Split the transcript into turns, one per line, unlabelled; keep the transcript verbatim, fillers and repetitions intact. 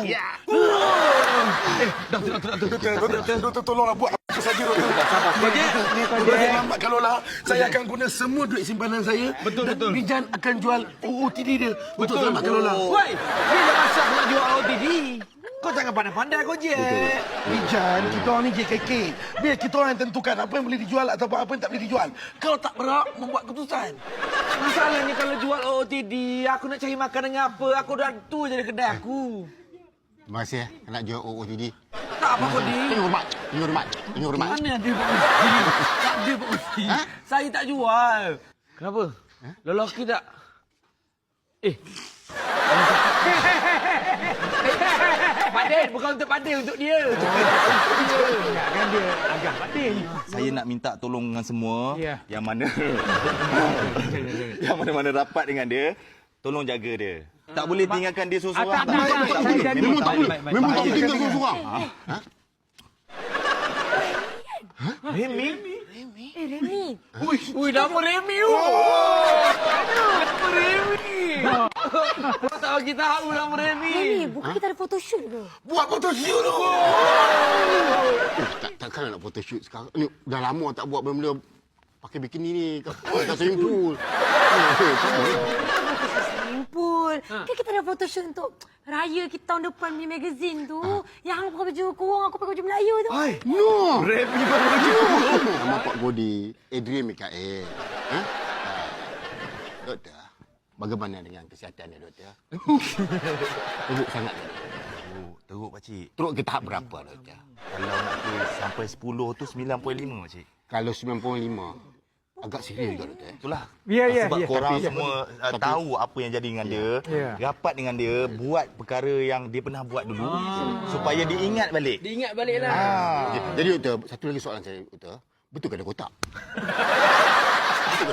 Ya.
Eh, doktor, doktor, doktor, doktor, doktor,
Doktor, tolonglah buat apa saja, doktor.
sabar. Kojek.
Kalau dia lambat kalau lah, saya akan guna semua duit simpanan saya.
Betul,
dan
betul.
Bijan akan jual O O T D dia. Untuk selamat kalau lah.
Woi, bila masa aku nak jual O T D? Kau jangan pandai-pandai, Kojek.
Bijan, kita orang ni J K K. Biar kita orang yang tentukan apa yang boleh dijual ataupun apa yang tak boleh dijual. Kau tak berhak membuat keputusan.
Masalahnya kalau jual O T D, aku nak cari makan dengan apa? Aku dah tu je di kedai aku.
Terima kasih eh, nak jual O O T D.
Tak apa, Kodi.
Ini hormat, ini hormat, ini hormat.
Mana ada Pak Usti? Tak ada Pak Usti.
Ha?
Saya tak jual. Kenapa? Ha? Lelaki tak? Eh. Pak Din, bukan untuk Pak Din, untuk dia. Untuk dia. Ingatkan dia agak Pak Din.
Saya nak minta tolong dengan semua
Ya.
yang mana yang mana-mana rapat dengan dia, tolong jaga dia. Tak boleh tinggalkan dia seorang-seorang.
Ah, tak, tak, tak, tak, tak,
Memang tak boleh,
baik, baik,
memang
baik.
tak boleh tinggal seorang-seorang. Ha?
Remy?
Eh, Remy.
Ui, ui, nama Remy. Oh. Nama Remy. Kau tak bagi tahu nama Remy.
Remy, bukan kita ada photoshoot ke?
Buat photoshoot tu.
Eh, tak, takkan nak photoshoot sekarang. Ni dah lama tak buat benda-benda pakai bikini ni kat, kat swimming pool. Eh, tak boleh.
Simpul. Kan kita ada photoshoot untuk raya kita tahun depan punya magazine tu. Yang hang pakai baju kurung, aku pakai baju Melayu tu.
Hai, no.
Remy baru lagi.
Nama Pak Godi, Adrian Mikael. Ha? Ah, doktor, bagaimana dengan kesihatan dia, doktor? Teruk sangat.
Oh, teruk pakcik.
Teruk ke tahap berapa, doktor?
Kalau nak ke sampai sepuluh tu sembilan perpuluhan lima pakcik.
Kalau sembilan puluh lima, agak serius juga, doktor.
Itulah.
Ya, ya,
Sebab
ya.
korang
Tapi-
semua uh,
tapi-
tahu apa yang jadi dengan dia.
Ya.
Rapat dengan dia, buat perkara yang dia pernah buat dulu supaya diingat balik.
Diingat baliklah.
Ah.
Jadi, doktor, satu lagi soalan saya, doktor. Betul ke ada kotak?